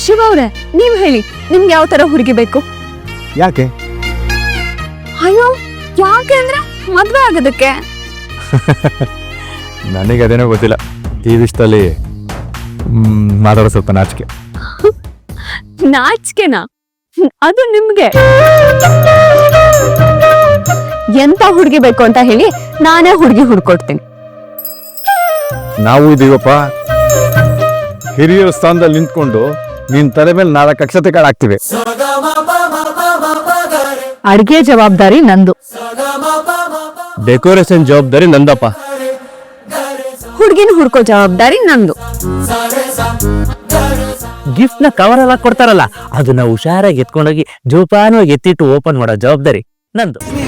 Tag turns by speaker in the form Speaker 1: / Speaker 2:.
Speaker 1: ಶಿವ ಅವ್ರೆ, ನೀವ್ ಹೇಳಿ, ನಿಮ್ಗೆ ಯಾವ ತರ ಹುಡುಗಿ ಬೇಕು?
Speaker 2: ಯಾಕೆ?
Speaker 1: ಅಯ್ಯೋ, ಯಾಕೆ ಅಂದ್ರೆ ಮದ್ವೆ ಆಗೋದಕ್ಕೆ.
Speaker 2: ನನಗೆ ಅದೇನೋ ಗೊತ್ತಿಲ್ಲ, ಈ ವಿಷಯದಲ್ಲಿ ಮಾತಾಡೋ ಸ್ವಲ್ಪ ನಾಚಿಕೆ.
Speaker 1: ನಾಚಿಕೆನಾ? ಅದು ನಿಮ್ಗೆ. ಎಂತ ಹುಡುಗಿ ಬೇಕು ಅಂತ ಹೇಳಿ ನಾನೇ ಹುಡುಗಿ ಹುಡ್ಕೊಡ್ತೀನಿ.
Speaker 2: ನಾವು ಇದೀವಪ್ಪ, ಹಿರಿಯರ ಸ್ಥಾನದಲ್ಲಿ ನಿಂತ್ಕೊಂಡು ನಿನ್ ತಲೆ ಮೇಲೆ 4 ಅಕ್ಷತೆ ಕಾಳು ಹಾಕ್ತಿವಿ.
Speaker 1: ಅಡ್ಗೆ ಜವಾಬ್ದಾರಿ ನಂದು,
Speaker 2: ಡೆಕೋರೇಷನ್ ಜವಾಬ್ದಾರಿ ನಂದಪ್ಪ.
Speaker 1: ಹುಡುಗಿನ ಹುಡ್ಕೋ ಜವಾಬ್ದಾರಿ ನಂದು.
Speaker 3: ಗಿಫ್ಟ್ ನ ಕವರ್ ಎಲ್ಲ ಕೊಡ್ತಾರಲ್ಲ, ಅದನ್ನ ಹುಷಾರಾಗಿ ಎತ್ಕೊಂಡೋಗಿ ಜೋಪಾನವಾಗಿ ಎತ್ತಿಟ್ಟು ಓಪನ್ ಮಾಡೋ ಜವಾಬ್ದಾರಿ ನಂದು.